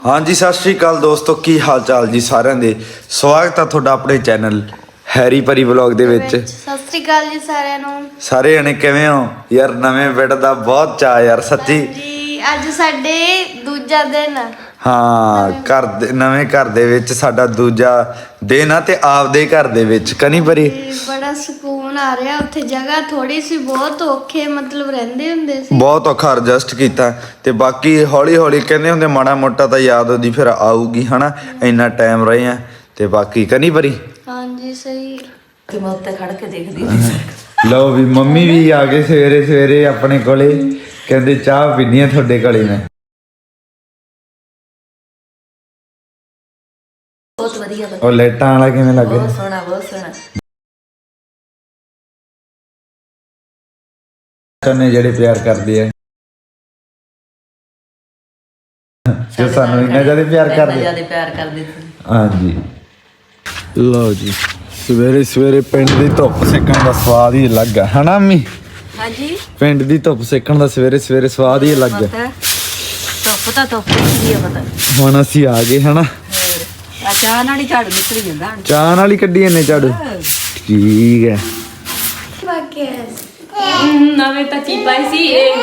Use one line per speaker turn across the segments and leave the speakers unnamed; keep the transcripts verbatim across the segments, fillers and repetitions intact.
हाँ जी सत श्री अकाल दोस्तों, की हाल चाल जी सारिਆਂ ਦੇ। ਸਵਾਗਤ ਆ ਤੁਹਾਡਾ ਆਪਣੇ ਚੈਨਲ ਹੈਰੀ ਪਰੀ ਵਲੌਗ ਦੇ ਵਿੱਚ।
ਸਤਿ ਸ੍ਰੀ ਅਕਾਲ ਜੀ ਸਾਰਿਆਂ ਨੂੰ।
ਸਾਰੇ ਜਣੇ ਕਿਵੇਂ ਹੋ ਯਾਰ? ਨਵੇਂ ਬੈਡ ਦਾ ਬਹੁਤ ਚਾਅ ਯਾਰ ਸੱਚੀ
ਜੀ। ਅੱਜ ਸਾਡੇ ਦੂਜਾ ਦਿਨ ਆ।
ਹਾਂ, ਘਰ ਦੇ ਨਵੇਂ ਘਰ ਦੇ ਵਿੱਚ ਸਾਡਾ ਦੂਜਾ ਦਿਨ ਆ ਤੇ ਆਪਦੇ ਘਰ ਦੇ ਵਿੱਚ ਕਨੀ ਪਰੀ
ਬੜਾ ਸਕੂਨ ਆ ਰਿਹਾ। ਉੱਥੇ ਜਗ੍ਹਾ ਥੋੜੀ ਸੀ, ਬਹੁਤ ਔਖੇ ਮਤਲਬ ਰਹਿੰਦੇ ਹੁੰਦੇ ਸੀ,
ਬਹੁਤ ਔਖਾ ਐਡਜਸਟ ਕੀਤਾ ਤੇ ਬਾਕੀ ਹੌਲੀ ਹੌਲੀ ਕਹਿੰਦੇ ਹੁੰਦੇ ਮਾੜਾ ਮੋਟਾ ਤਾਂ ਯਾਦ ਉਹਦੀ ਫਿਰ ਆਊਗੀ ਹਨਾ। ਇੰਨਾ ਟਾਈਮ ਰਹੇ ਆ ਤੇ ਬਾਕੀ ਕਨੀ ਪਰੀ।
ਹਾਂਜੀ ਸਹੀ।
ਤੇ ਮੈਂ ਉੱਤੇ ਖੜ ਕੇ ਦੇਖਦੀ।
ਲਓ ਵੀ ਮੰਮੀ ਵੀ ਆ ਗਏ ਸਵੇਰੇ ਸਵੇਰੇ ਆਪਣੇ ਕੋਲੇ, ਕਹਿੰਦੇ ਚਾਹ ਪੀਣੀ ਆ ਤੁਹਾਡੇ ਕੋਲੇ ਮੈਂ।
ਬਹੁਤ ਵਧੀਆ ਬਣ
ਉਹ ਲਾਈਟਾਂ ਵਾਲਾ ਕਿਵੇਂ ਲੱਗ
ਬਹੁਤ
ਰਿਹਾ?
ਸੋਹਣਾ ਬਹੁਤ ਸੋਹਣਾ।
ਚੰਨੇ ਜਿਹੜੇ ਪਿਆਰ ਕਰਦੇ ਆ, ਜੋ ਸਾਨੂੰ ਇੰਨਾ ਜ਼ਿਆਦਾ ਪਿਆਰ ਕਰਦੇ ਆ।
ਜਿਆਦਾ ਪਿਆਰ ਕਰਦੇ ਸੀ।
ਹਾਂਜੀ ਲਓ ਜੀ, ਸਵੇਰੇ ਸਵੇਰੇ ਪਿੰਡ ਦੀ ਧੁੱਪ ਸੇਕਣ ਦਾ ਸਵਾਦ ਹੀ ਅਲੱਗ ਆ ਹਨਾ ਅੰਮੀ?
ਹਾਂਜੀ,
ਪਿੰਡ ਦੀ ਧੁੱਪ ਸੇਕਣ ਦਾ ਸਵੇਰੇ ਸਵੇਰੇ ਸਵਾਦ ਹੀ ਅਲੱਗ ਆ।
ਧੁੱਪ ਤਾਂ ਧੁੱਪ ਹੀ ਆ ਪਤਾ।
ਹੁਣ ਅਸੀਂ ਆ ਗਏ ਹਨਾ।
ਆ ਚਾਹ ਨਾਲ ਹੀ ਝਾੜੂ ਨਿਕਲ ਜਾਂਦਾ।
ਚਾਹ ਨਾਲ ਹੀ ਕੱਢੀ ਇਹਨੇ ਝਾੜੂ। ਠੀਕ ਹੈ।
ਬਾਕੀ
ਨਵੇਂ ਤਾਂ ਚੀ ਪਾਈ ਸੀ ਇਹ।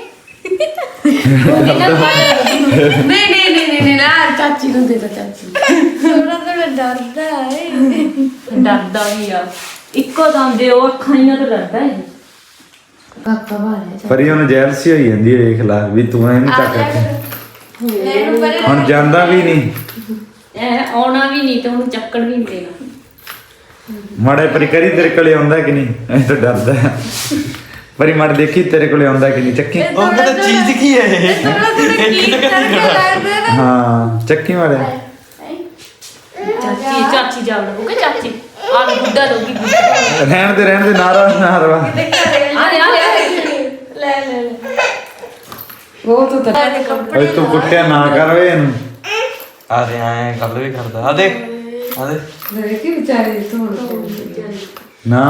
ਨਹੀਂ ਨਹੀਂ ਨਹੀਂ ਨਹੀਂ ਨਾ ਚਾਚੀ ਨੂੰ ਦੇ ਦੋ। ਚਾਚੀ
ਥੋੜਾ ਥੋੜਾ ਡਰਦਾ ਹੈ।
ਡਰਦਾ ਵੀ ਆ। ਇੱਕੋ ਦਮ ਦੇ ਉਹ ਅੱਖਾਂ ਹੀ ਤੋਂ ਡਰਦਾ ਹੈ।
ਕਾਕਾ ਬਾਰੇ
ਪਰ ਉਹਨੂੰ ਜੈਲਸੀ ਹੋਈ ਜਾਂਦੀ ਹੈ, ਵੇਖ ਲਾ ਵੀ ਤੂੰ ਇਹਨੂੰ ਚੱਕ ਹੁਣ ਜਾਂਦਾ ਵੀ ਨਹੀਂ।
ਇਹ ਆਉਣਾ ਵੀ ਨਹੀਂ ਤੇ ਉਹਨੂੰ ਚੱਕਣ ਵੀ ਨਹੀਂ ਦੇਣਾ।
ਮਾੜੇ ਪਰੀ ਕਰੀ ਤੇਰੇ ਕੋਲੇ ਆਉਂਦਾ ਕਿ ਨਹੀਂ? ਐ ਤਾਂ ਡਰਦਾ ਪਰੀ ਮਾੜੇ ਦੇਖੀ ਤੇਰੇ ਕੋਲੇ ਆਉਂਦਾ ਕਿ ਨਹੀਂ। ਚੱਕੀ
ਉਹ ਤਾਂ ਚੀਜ਼ ਕੀ ਹੈ ਇਹ? ਥੋੜਾ ਥੋੜਾ ਕੀ ਕਰਕੇ ਲੱਗਦਾ ਨਾ।
ਹਾਂ ਚੱਕੀ ਮਾੜੇ।
ਚਾਚੀ ਚਾਚੀ ਜਾਵੜ ਬੁਕੇ ਚਾਚੀ ਆ ਗੁੱਡਾ ਲੋਗੀ।
ਰਹਿਣ ਦੇ ਰਹਿਣ ਦੇ ਨਾਰਾ ਨਾਰਵਾ।
ਆ ਲੈ ਆ ਲੈ
ਲੈ ਲੈ
ਉਹ ਤੂੰ ਤਾਂ
ਓਏ ਤੂੰ ਕੁੱਟਿਆ ਨਾ ਕਰ ਵੇ ਇਹਨੂੰ।
ਆ ਦੇ ਆਏ ਗੱਲ ਵੀ ਕਰਦਾ। ਆ ਦੇਖ ਆ ਦੇ
ਦੇਖੀ ਵਿਚਾਰੇ ਤੋਂ
ਨਾ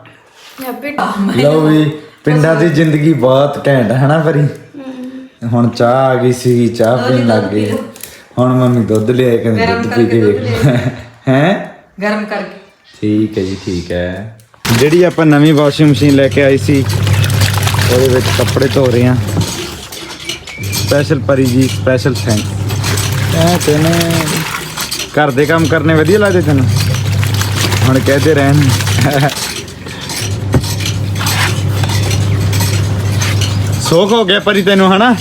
ਲਓ ਵੀ ਪਿੰਡਾਂ ਦੀ ਜ਼ਿੰਦਗੀ ਬਹੁਤ ਘੈਂਟ ਹੈ ਨਾ ਪਰੀ। ਹੁਣ ਚਾਹ ਆ ਗਈ ਸੀ, ਚਾਹ ਪੀਣ ਲੱਗ ਗਏ। ਹੁਣ ਮੰਮੀ ਦੁੱਧ ਲਿਆਏ, ਕਹਿੰਦੇ ਦੁੱਧ ਪੀ ਕੇ ਵੇਖ ਹੈ
ਗਰਮ ਕਰਕੇ।
ਠੀਕ ਹੈ ਜੀ, ਠੀਕ ਹੈ। ਜਿਹੜੀ ਆਪਾਂ ਨਵੀਂ ਵਾਸ਼ਿੰਗ ਮਸ਼ੀਨ ਲੈ ਕੇ ਆਈ ਸੀ ਉਹਦੇ ਵਿੱਚ ਕੱਪੜੇ ਧੋ ਰਹੇ ਆ। ਸਪੈਸ਼ਲ ਪਰੀ ਜੀ, ਸਪੈਸ਼ਲ ਥੈਂਕਸ। ਐ ਤੈਨੂੰ ਘਰ ਦੇ ਕੰਮ ਕਰਨੇ ਵਧੀਆ ਲੱਗਦੇ ਤੈਨੂੰ? ਹੁਣ ਕਹਦੇ ਰਹਿਣ। ਸੋਖ ਹੋ ਗਿਆ ਪਰੀ ਤੈਨੂੰ ਹਨਾ?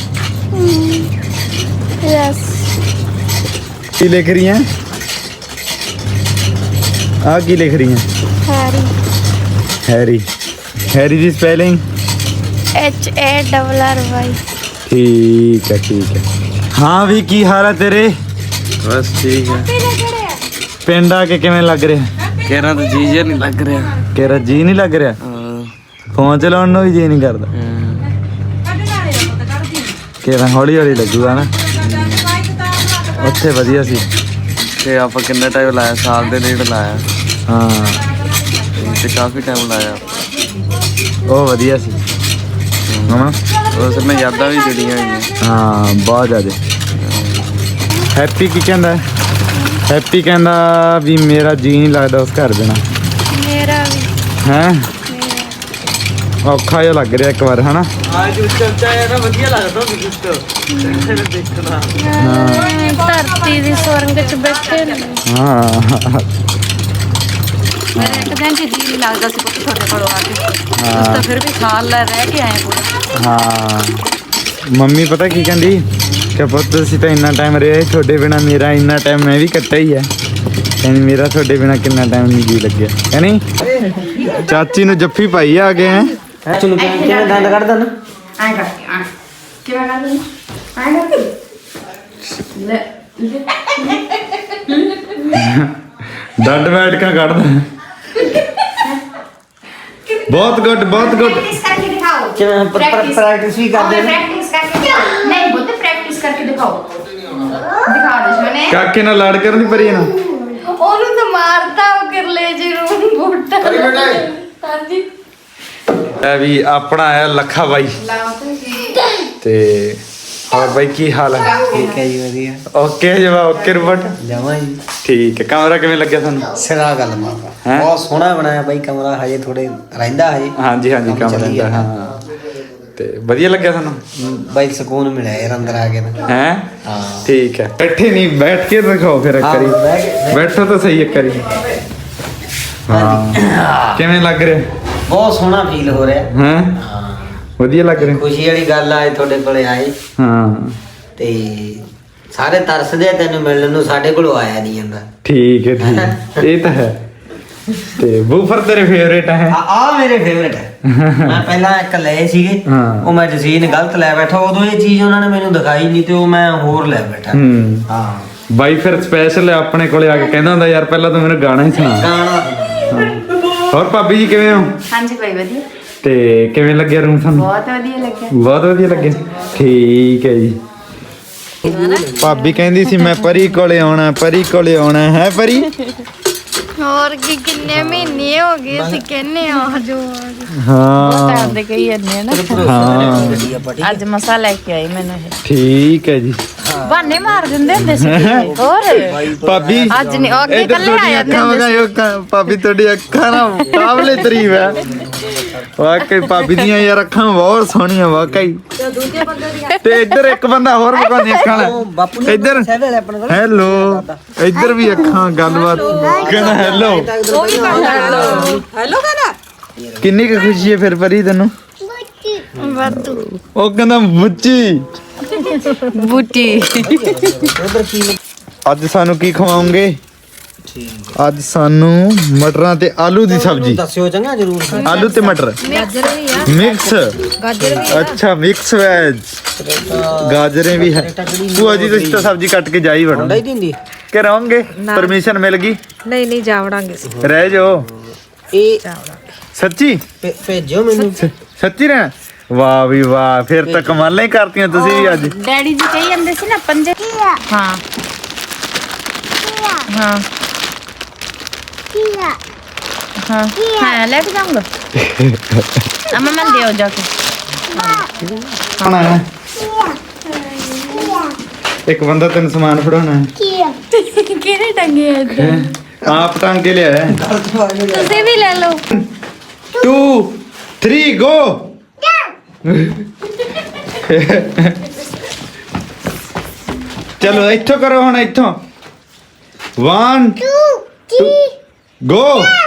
ਯੈਸ।
ਕੀ ਲਿਖ ਰਹੀ ਹੈ? ਆ ਕੀ ਲਿਖ ਰਹੀ ਹੈ?
ਹੈਰੀ।
ਹੈਰੀ। ਹੈਰੀ ਦੀ spelling
H A double R Y.
ਠੀਕ ਹੈ ਠੀਕ ਹੈ। ਹਾਂ ਵੀ ਕੀ ਹਾਲ ਹੈ ਤੇਰੇ?
ਬਸ ਠੀਕ ਹੈ।
ਪਿੰਡ ਆ ਕੇ ਕਿਵੇਂ ਲੱਗ ਰਿਹਾ?
ਕਹਿਣਾ ਤਾਂ ਜੀ ਜਿਹਾ ਨਹੀਂ ਲੱਗ ਰਿਹਾ।
ਤੇਰਾ ਜੀ ਨਹੀਂ ਲੱਗ ਰਿਹਾ? ਫੋਨ ਚਲਾਉਣ ਨੂੰ ਵੀ ਜੀ ਨਹੀਂ ਕਰਦਾ। ਕਿਹੜਾ ਹੌਲੀ ਹੌਲੀ ਲੱਗੂਗਾ ਨਾ। ਉੱਥੇ ਵਧੀਆ ਸੀ
ਤੇ ਆਪਾਂ ਕਿੰਨਾ ਟਾਈਮ ਲਾਇਆ? ਸਾਲ ਦੇ ਡੇਢ ਲਾਇਆ।
ਹਾਂ,
ਤੇ ਕਾਫੀ ਟਾਈਮ ਲਾਇਆ।
ਉਹ ਵਧੀਆ ਸੀ ਹਾਂ।
ਉਸ ਮੈਂ ਯਾਦਾਂ ਵੀ ਜੁੜੀਆਂ ਹੋਈਆਂ।
ਹਾਂ ਬਹੁਤ ਜ਼ਿਆਦਾ। ਹੈਪੀ ਕੀ ਕਹਿੰਦਾ? ਹੈਪੀ ਕਹਿੰਦਾ ਵੀ ਮੇਰਾ ਜੀ ਨਹੀਂ ਲੱਗਦਾ ਉਸ ਘਰ ਦੇ ਨਾਲ।
ਮੇਰਾ ਵੀ।
ਹੈਂ ਔਖਾ ਜਿਹਾ ਲੱਗ ਰਿਹਾ ਇੱਕ ਵਾਰ ਹਨਾ?
ਆ ਜੋ ਚਲਦਾ ਹੈ ਨਾ ਵਧੀਆ ਲੱਗਦਾ ਉਹ ਦੇਖਣਾ।
ਧਰਤੀ ਦੀ ਸੁਰੰਗ ਚ ਬੈਠੇ ਨੇ।
ਹਾਂ
ਮੇਰੇ ਇੱਕ ਦਿਨ ਚ ਜੀ ਨਹੀਂ ਲੱਗਦਾ ਸੀ ਪੁੱਤ ਤੁਹਾਡੇ ਕੋਲ ਆ ਕੇ। ਉਸ ਤਾਂ ਫਿਰ ਵੀ ਸਾਲ ਲੈ ਰਹਿ ਕੇ ਆਏ ਪੂਰਾ।
ਹਾਂ ਮੰਮੀ ਪਤਾ ਕੀ ਕਹਿੰਦੀ ਕਿ ਪੁੱਤ ਅਸੀਂ ਤਾਂ ਇੰਨਾ ਟਾਈਮ ਰਹੇ ਤੁਹਾਡੇ ਬਿਨਾ, ਮੇਰਾ ਇੰਨਾ ਟਾਈਮ ਮੈਂ ਵੀ ਕੱਟਿਆ ਹੀ ਹੈ। ਕਹਿੰਦੀ ਮੇਰਾ ਤੁਹਾਡੇ ਬਿਨਾ ਕਿੰਨਾ ਟਾਈਮ ਨਹੀਂ ਜੀ ਲੱਗਿਆ। ਕਹਿੰਦੀ ਚਾਚੀ ਨੂੰ ਜੱਫੀ ਪਾਈ ਆ ਗਏ ਹੈ।
ਚਲੋ ਕਿਵੇਂ ਦੰਦ ਕੱਢਦਾ ਨਾ?
ਐਂ ਕਰਕੇ ਆ ਕਿਵੇਂ ਕਰਦੇ ਨੇ? ਐਂ ਕਰਕੇ ਲੈ
ਡੱਡ ਬੈਠਕਾਂ ਕੱਢਦਾ। ਬਹੁਤ ਗੁੱਡ ਬਹੁਤ ਗੁੱਡ।
प्रैक्टिस करके दिखाओ।
ਕਿਵੇਂ ਪ੍ਰੈਕਟਿਸ ਵੀ ਕਰਦੇ ਨੇ?
प्रैक्टिस करके दिखाओ। नहीं बोलते प्रैक्टिस करके दिखाओ। दिखा दे मैंने।
ਕਾਕੇ ਨਾਲ ਲੜ ਕਰਨ ਦੀ ਪਰੀ ਨਾ।
ਉਹਨੂੰ ਤਾਂ ਮਾਰਤਾ ਉਹ ਕਰਲੇ ਜੀ ਨੂੰ ਬੋਟਾ। ਹਾਂਜੀ
ਇਹ ਵੀ ਆਪਣਾ ਆਇਆ ਲੱਖਾ ਬਾਈ ਤੇ ਹੋਰ ਬਾਈ ਕੀ ਹਾਲ ਹੈ?
ਠੀਕ ਹੈ ਜੀ ਵਧੀਆ
ਓਕੇ ਜਵਾ ਓਕੇ ਰਿਪੋਰਟ
ਜਮਾ ਜੀ
ਠੀਕ ਹੈ। ਕਮਰਾ ਕਿਵੇਂ ਲੱਗਿਆ ਤੁਹਾਨੂੰ?
ਸਿਰਾ ਗੱਲ ਮਾਰਦਾ
ਹੈਂ?
ਬਹੁਤ ਸੋਹਣਾ ਬਣਾਇਆ ਬਾਈ ਕਮਰਾ ਹਜੇ ਥੋੜੇ ਰਹਿੰਦਾ ਹਜੇ
ਹਾਂਜੀ ਹਾਂਜੀ
ਕੰਮ
ਕਮਰਾ
ਚੱਲੀ
ਦਾ
ਜਾਂਦਾ।
ਹਾਂ ਤੇ ਵਧੀਆ ਲੱਗਿਆ ਤੁਹਾਨੂੰ?
ਬਾਈ ਸਕੂਨ ਮਿਲਿਆ ਯਾਰ ਅੰਦਰ ਆ ਕੇ ਤਾਂ।
ਹੈ
ਹਾਂ
ਠੀਕ ਹੈ। ਬੈਠੇ ਨਹੀਂ ਬੈਠ ਕੇ ਦਿਖਾਓ ਫਿਰ ਇੱਕ
ਹਾਂ,
ਵਾਰੀ
ਬਹਿ ਕੇ-
ਬੈਠੋ ਤਾਂ ਸਹੀ ਇੱਕ ਵਾਰੀ ਹਾਂ ਕਿਵੇਂ ਲੱਗ ਰਿਹਾ?
ਬਹੁਤ ਸੋਹਣਾ ਫੀਲ ਹੋ ਰਿਹਾ
ਹੈ
ਹਾਂ
ਵਧੀਆ ਲੱਗ ਰਿਹਾ
ਖੁਸ਼ੀ ਵਾਲੀ ਗੱਲ ਆ ਅੱਜ ਤੁਹਾਡੇ ਕੋਲੇ ਆਏ
ਹਾਂ
ਤੇ ਸਾਰੇ ਤਰਸਦੇ ਆ ਤੈਨੂੰ ਮਿਲਣ ਨੂੰ, ਸਾਡੇ ਕੋਲੋਂ ਆਇਆ ਨਹੀਂ ਜਾਂਦਾ।
ਠੀਕ ਹੈ ਠੀਕ ਹੈ। ਇਹ ਤਾਂ ਹੈ। ਤੇ ਬੂਫਰ ਤੇਰੇ ਫੇਵਰੇਟ ਹੈ?
ਆ ਆ ਮੇਰੇ ਫੇਵਰੇਟ ਹੈ। ਮੈਂ ਪਹਿਲਾਂ ਇੱਕ ਲਏ ਸੀਗੇ
ਹਾਂ।
ਉਹ ਮੈਂ ਜਸੀਨ ਗਲਤ ਲੈ ਬੈਠਾ, ਉਦੋਂ ਇਹ ਚੀਜ਼ ਉਹਨਾਂ ਨੇ ਮੈਨੂੰ ਦਿਖਾਈ ਨਹੀਂ ਤੇ ਉਹ ਮੈਂ ਹੋਰ ਲੈ ਬੈਠਾ।
ਹੂੰ
ਹਾਂ
ਬਾਈ ਫਿਰ ਸਪੈਸ਼ਲ ਆਪਣੇ ਕੋਲੇ ਆ ਕੇ ਕਹਿੰਦਾ ਹੁੰਦਾ ਯਾਰ ਪਹਿਲਾਂ ਤੂੰ ਮੈਨੂੰ ਗਾਣਾ ਹੀ ਸੁਣਾ।
ਗਾਣਾ
ਹੋਰ ਭਾਬੀ ਜੀ ਕਿਵੇਂ ਹੋ?
ਹਾਂਜੀ ਭਾਈ ਵਧੀਆ,
ਤੇ ਕਿਵੇਂ ਲੱਗਿਆ ਰੂਮ ਤੁਹਾਨੂੰ?
ਬਹੁਤ ਵਧੀਆ ਲੱਗਿਆ।
ਬਹੁਤ ਵਧੀਆ ਲੱਗਿਆ ਠੀਕ ਹੈ ਜੀ। ਭਾਬੀ ਕਹਿੰਦੀ ਸੀ ਮੈਂ ਪਰੀ ਕੋਲੇ ਆਉਣਾ ਪਰੀ ਕੋਲੇ ਆਉਣਾ ਹੈ ਪਰੀ।
ਹੋਰ ਕੀ ਕਿੰਨੇ ਮਹੀਨੇ ਹੋ ਗਏ ਅਸੀਂ ਕਹਿੰਨੇ ਆ ਜੋ
ਹਾਂ
ਟਾਈਮ ਦੇ ਕਈ ਜਾਂਦੇ ਆ ਨਾ,
ਹਾਂ
ਅੱਜ ਮਸਾ ਲੈ ਕੇ ਆਈ ਮੈਨੂੰ ਇਹ।
ਠੀਕ ਹੈ ਜੀ।
ਬਹਾਨੇ ਮਾਰ ਦਿੰਦੇ ਹੁੰਦੇ ਸੀ ਹੋਰ
ਭਾਬੀ
ਅੱਜ ਨਹੀਂ ਉਹ ਅੱਗੇ
ਇੱਧਰ
ਕੱਲੇ ਆ
ਤੁਹਾਡੀਆਂ
ਜਾਂਦੇ
ਅੱਖਾਂ
ਹੁੰਦੇ ਸੀ।
ਵਗਾਇਓ ਅੱਖਾਂ- ਭਾਬੀ ਤੁਹਾਡੀ ਅੱਖਾਂ ਨਾ ਕਾਬਲੇ ਤਾਰੀਫ ਹੈ ਵਾਕਈ ਭਾਬੀ ਦੀਆਂ ਯਾਰ ਅੱਖਾਂ ਬਹੁਤ ਸੋਹਣੀਆਂ ਵਾਕਈ। ਤੇ ਇੱਧਰ ਇੱਕ ਬੰਦਾ ਹੋਰ ਵਿਖਾਉਂਦੀ ਅੱਖਾਂ ਵਾਲਾ ਇੱਧਰ ਹੈਲੋ ਇੱਧਰ ਵੀ ਅੱਖਾਂ ਗੱਲਬਾਤ ਕਹਿੰਦਾ ਹੈਲੋ
ਹੈਲੋ ਕਹਿੰਦਾ
ਕਿੰਨੀ ਕੁ ਖੁਸ਼ੀ ਹੈ ਫਿਰ ਪਰੀ ਤੈਨੂੰ?
ਵਾਧੂ
ਉਹ ਕਹਿੰਦਾ ਮੁੱਚੀ
ਬੂਟੀ।
ਅੱਜ ਸਾਨੂੰ ਕੀ ਖਵਾਉਂਗੇ? ਅੱਜ ਸਾਨੂੰ ਮਟਰਾਂ ਤੇ ਆਲੂ ਦੀ ਸਬਜ਼ੀ।
ਦੱਸਿਓ ਚੰਗਾ ਜਰੂਰ।
ਆਲੂ ਤੇ ਮਟਰ ਮਿਕਸ ਅੱਛਾ ਮਿਕਸ ਵੈਜ ਗਾਜਰੇ ਵੀ ਹੈ। ਭੂਆ ਜੀ ਤੁਸੀਂ ਤਾਂ ਸਬਜ਼ੀ ਕੱਟ ਕੇ ਜਾਈ ਵੜੋ
ਨਹੀਂ ਦਿੰਦੀ
ਕਿ ਰਹੋਗੇ? ਪਰਮਿਸ਼ਨ ਮਿਲ ਗਈ?
ਨਹੀਂ ਨਹੀਂ ਜਾਵੜਾਂਗੇ
ਰਹਿ ਜਾਓ
ਇਹ
ਸੱਚੀ
ਭੇ- ਭੇਜਿਓ ਮੈਨੂੰ।
ਸੱਚੀ ਰਹਿਣਾ? ਵਾਹ ਵੀ ਵਾਹ ਫਿਰ ਤਾਂ ਕਮਾਲਾਂ ਹੀ ਕਰਤੀਆਂ ਤੁਸੀਂ ਵੀ ਅੱਜ।
ਡੈਡੀ ਜੀ ਕਹੀ ਜਾਂਦੇ ਸੀ ਨਾ ਪੰਜੇ। ਹਾਂ ਹਾਂ ਹਾਂ ਹਾਂ ਲੈ ਕੇ ਜਾਊਂਗਾ ਅਮਾ ਮੈਂ ਦਿਓ ਜਾ ਕੇ।
ਖਾਣਾ ਹੈ ਇੱਕ ਬੰਦਾ ਤੈਨੂੰ ਸਮਾਨ ਫੜਾਉਣਾ ਹੈ।
ਕਿਹੜੇ ਟੰਗੇ ਆ ਇੱਧਰ?
ਆਪ ਟੰਗ ਕੇ ਲਿਆ ਹੈ।
ਤੁਸੀਂ ਵੀ ਲੈ ਲਓ।
Two three go. ਚਲੋ ਇੱਥੋਂ ਕਰੋ ਹੁਣ ਇੱਥੋਂ ਵਨ ਗੋ।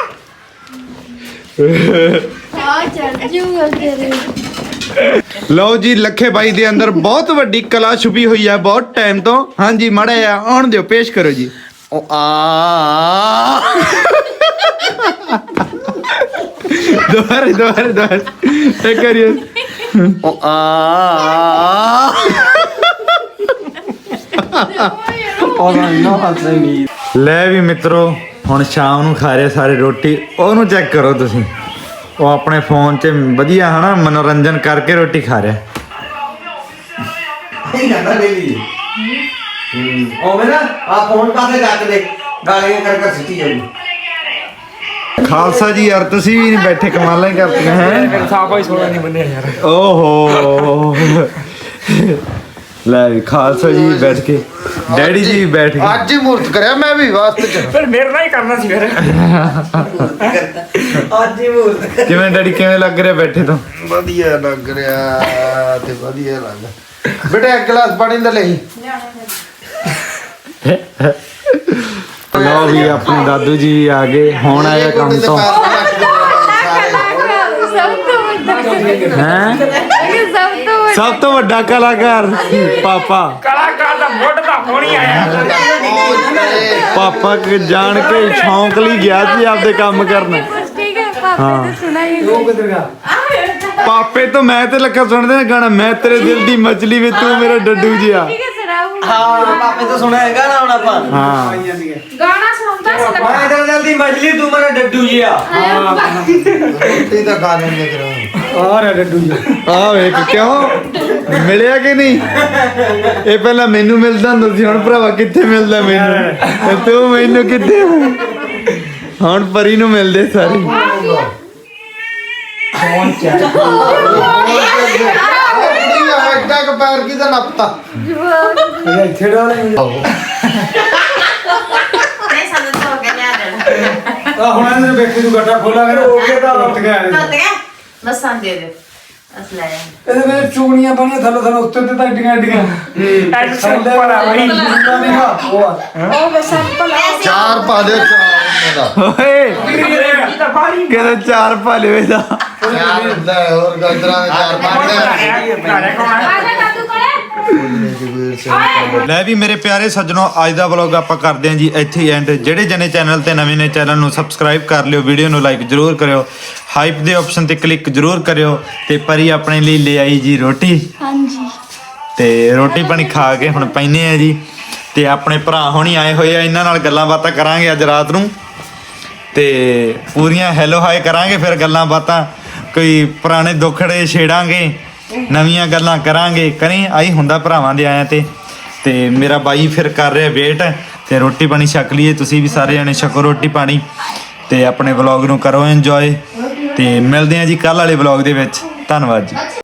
ਆ ਚੱਲ ਜੂਗਾ ਤੇਰੇ।
ਲਓ ਜੀ ਲੱਖੇ ਬਾਈ ਦੇ ਅੰਦਰ ਬਹੁਤ ਵੱਡੀ ਕਲਾ ਛੁਪੀ ਹੋਈ ਹੈ ਬਹੁਤ ਟਾਈਮ ਤੋਂ। ਹਾਂਜੀ ਮਾੜਾ ਜਿਹਾ ਆਉਣ ਦਿਓ ਪੇਸ਼ ਕਰੋ ਜੀ।
ਉਹ ਆ
ਦੁਬਾਰੇ ਦੁਬਾਰੇ ਦੁਬਾਰੇ ਇੱਕ ਕਰੀਏ।
ਉਹ ਆ ਉਹ ਨਾ ਹੱਸਣੀ।
ਲੈ ਵੀ ਮਿੱਤਰੋ ਹੁਣ ਸ਼ਾਮ ਨੂੰ ਖਾ ਰਹੇ ਸਾਰੇ ਰੋਟੀ। ਉਹਨੂੰ ਚੈੱਕ ਕਰੋ ਤੁਸੀਂ ਉਹ ਆਪਣੇ ਫੋਨ 'ਚ ਵਧੀਆ ਹਨਾ ਮਨੋਰੰਜਨ ਕਰਕੇ ਰੋਟੀ ਖਾ ਰਿਹਾ।
ਨਹੀਂ ਜਾਂਦਾ ਡੇਲੀ ਉਹ ਮੇਰਾ ਆ ਫੋਨ ਪਾਸੇ ਰੱਖ ਦੇ ਗਾਲੀਆਂ ਕਰ ਕਰ ਸਿੱਟੀ ਜਾਊਗੀ।
ਖਾਲਸਾ ਜੀ ਯਾਰ ਤੁਸੀਂ ਵੀ ਨਹੀਂ ਬੈਠੇ ਕਮਾਲਾਂ ਹੀ ਕਰਤੀਆਂ ਹੈ।
ਸਾਫਾ ਹੀ ਸੋਣਾ ਨਹੀਂ ਬੰਨਿਆ ਯਾਰ।
ਓਹੋ ਲੈ ਵੀ ਖਾਲਸਾ ਜੀ ਬੈਠ ਕੇ ਡੈਡੀ ਜੀ ਵੀ ਬੈਠ ਕੇ
ਅੱਜ ਮੂਰਤ ਕਰਿਆ ਮੈਂ ਵੀ ਵਾਸਤੇ ਚ
ਫਿਰ ਮੇਰੇ ਨਾਲ ਹੀ ਕਰਨਾ ਸੀ ਫਿਰ।
ਅੱਜ ਹੀ ਮੂਰਤ
ਕਿਵੇਂ ਡੈਡੀ ਕਿਵੇਂ ਲੱਗ ਰਿਹਾ ਬੈਠੇ ਤੋਂ?
ਵਧੀਆ ਲੱਗ ਰਿਹਾ ਤੇ ਵਧੀਆ ਲੱਗ ਬੇਟਾ ਇੱਕ ਗਲਾਸ ਪਾਣੀ ਦਾ ਲਈ।
ਲਓ ਵੀ ਆਪਣੇ ਦਾਦੂ ਜੀ ਵੀ ਆ ਗਏ ਹੁਣ ਆਇਆ ਕੰਮ ਤੋਂ ਹੈ। ਸਭ ਤੋਂ ਵੱਡਾ ਕਲਾਕਾਰ ਪਾਪਾ।
ਕਲਾਕਾਰ ਦਾ ਮੁੱਢ ਤਾਂ ਹੋਣੀ ਆਇਆ।
ਪਾਪਾ ਕਿ ਜਾਣ ਕੇ ਸ਼ੌਂਕ ਲਈ ਗਿਆ ਸੀ ਆਪਦੇ ਕੰਮ ਕਰਨਾ। ਹਾਂ ਪਾਪੇ ਤੋਂ ਮੈਂ ਤੇ ਲੱਗਾ ਸੁਣਦੇ ਨਾ ਗਾਣਾ ਮੈਂ ਤੇਰੇ ਦਿਲ ਦੀ ਮਛਲੀ ਵੇ ਤੂੰ ਮੇਰਾ ਡੱਡੂ ਜਿਹਾ।
ਹਾਂ ਪਾਪੇ ਤੋਂ ਸੁਣਿਆ ਹੈਗਾ ਨਾ ਹੁਣ ਆਪਾਂ।
ਹਾਂ
ਗਾਣਾ ਸੁਣਾਉਂਦਾ ਸੀ
ਮੈਂ ਤੇਰੇ ਦਿਲ ਦੀ ਮਛਲੀ ਤੂੰ ਮੇਰਾ ਡੱਡੂ ਜਿਹਾ। ਰੋਟੀ ਤਾਂ ਖਾ ਲੈਂਦੇ ਕਰੋ
ਔਰ ਡੱਡੂ ਜੀ ਆ ਵੇਖ ਕਿਉਂ ਮਿਲਿਆ ਕਿ ਨਹੀਂ? ਇਹ ਪਹਿਲਾਂ ਮੈਨੂੰ ਮਿਲਦਾ ਹੁੰਦਾ ਸੀ ਹੁਣ ਭਰਾਵਾ ਕਿੱਥੇ ਮਿਲਦਾ ਮੈਨੂੰ ਤੇ ਤੂੰ ਮੈਨੂੰ ਕਿੱਥੇ ਹੁਣ ਪਰੀ ਨੂੰ ਮਿਲਦੇ ਸਾਰੇ।
ਟੈਕ ਟੈਕ ਪੈਰ ਕੀ ਦਾ ਨੱਪਤਾ
ਇੱਥੇ ਡਾਲੇ
ਨਹੀਂ ਸਾਨੂੰ ਤਾਂ ਹੋ ਗਿਆ ਲਿਆ ਦੇਣਾ
ਆ ਹੁਣ ਇਹਨੇ ਵੇਖੀ ਤੂੰ ਗੱਟਾ ਖੋਲਾ ਕਰ ਹੋ ਗਿਆ ਤਾਂ ਉੱਠ ਗਿਆ
ਤਾਂ ਤੇ ਬਸ ਸਾਂ ਦੇ ਦੇ ਅਸ ਲੈ
ਇਹਦੇ ਵਿੱਚ ਚੂੜੀਆਂ ਬਣੀਆਂ ਥੱਲੇ ਥੱਲੇ ਉੱਤੇ ਤੇ ਤਾਂ ਏਡੀਆਂ ਏਡੀਆਂ
ਐਡ ਸਿੰਪਲ ਆ ਬਈ
ਉਹ ਵੇ ਸਿੰਪਲ
ਚਾਰ ਪਾ ਦੇ ਚਾਰ ਦਾ
ਓਏ ਕਿਹਦਾ ਚਾਰ ਪਾ ਲਿਓ ਇਹਦਾ
ਚਾਰ ਹੁੰਦਾ ਹੈ, ਹੋਰ ਗਾਜਰਾਂ ਦੇ ਚਾਰ ਪਾ ਦੇ
ਦਾਦੂ ਕੋਲੇ
ਲੈ ਵੀ ਮੇਰੇ ਪਿਆਰੇ ਸੱਜਣੋ ਅੱਜ ਦਾ ਵਲੌਗ ਆਪਾਂ ਕਰਦੇ ਹਾਂ ਜੀ ਇੱਥੇ ਹੀ ਐਂਡ। ਜਿਹੜੇ ਜਣੇ ਚੈਨਲ ਤੇ ਨਵੇਂ ਨੇ ਚੈਨਲ ਨੂੰ ਸਬਸਕ੍ਰਾਈਬ ਕਰ ਲਿਓ, ਵੀਡੀਓ ਨੂੰ ਲਾਈਕ ਜ਼ਰੂਰ ਕਰਿਓ, ਹਾਈਪ ਦੇ ਆਪਸ਼ਨ ਤੇ ਕਲਿੱਕ ਜ਼ਰੂਰ ਕਰਿਓ ਤੇ ਪਰੀ ਆਪਣੇ ਲਈ ਲੈ ਆਈ ਜੀ ਰੋਟੀ
ਹਾਂਜੀ
ਤੇ ਰੋਟੀ ਪਾਣੀ ਖਾ ਕੇ ਹੁਣ ਪੈਨੇ ਆ ਜੀ ਤੇ ਆਪਣੇ ਭਰਾ ਹੋਣੀ ਆਏ ਹੋਏ ਆ, ਇਹਨਾਂ ਨਾਲ ਗੱਲਾਂ ਬਾਤਾਂ ਕਰਾਂਗੇ ਅੱਜ ਰਾਤ ਨੂੰ ਤੇ ਪੂਰੀਆਂ ਹੈਲੋ ਹਾਈ ਕਰਾਂਗੇ, ਫਿਰ ਗੱਲਾਂ ਬਾਤਾਂ ਕੋਈ ਪੁਰਾਣੇ ਦੁੱਖੜੇ ਛੇੜਾਂਗੇ, ਨਵੀਆਂ ਗੱਲਾਂ ਕਰਾਂਗੇ। ਕਰੀ ਆਈ ਹੁੰਦਾ ਭਰਾਵਾਂ ਦੇ ਆਇਆਂ ਤੇ ਤੇ ਮੇਰਾ ਬਾਈ ਫਿਰ ਕਰ ਰਿਹਾ ਵੇਟ ਤੇ ਰੋਟੀ ਪਾਣੀ ਛਕ ਲਈਏ, ਤੁਸੀਂ ਵੀ ਸਾਰੇ ਜਣੇ ਛਕੋ ਰੋਟੀ ਪਾਣੀ ਤੇ ਆਪਣੇ ਵਲੌਗ ਨੂੰ ਕਰੋ ਇੰਜੋਏ ਤੇ ਮਿਲਦੇ ਹਾਂ ਜੀ ਕੱਲ ਵਾਲੇ ਵਲੌਗ ਦੇ ਵਿੱਚ। ਧੰਨਵਾਦ ਜੀ।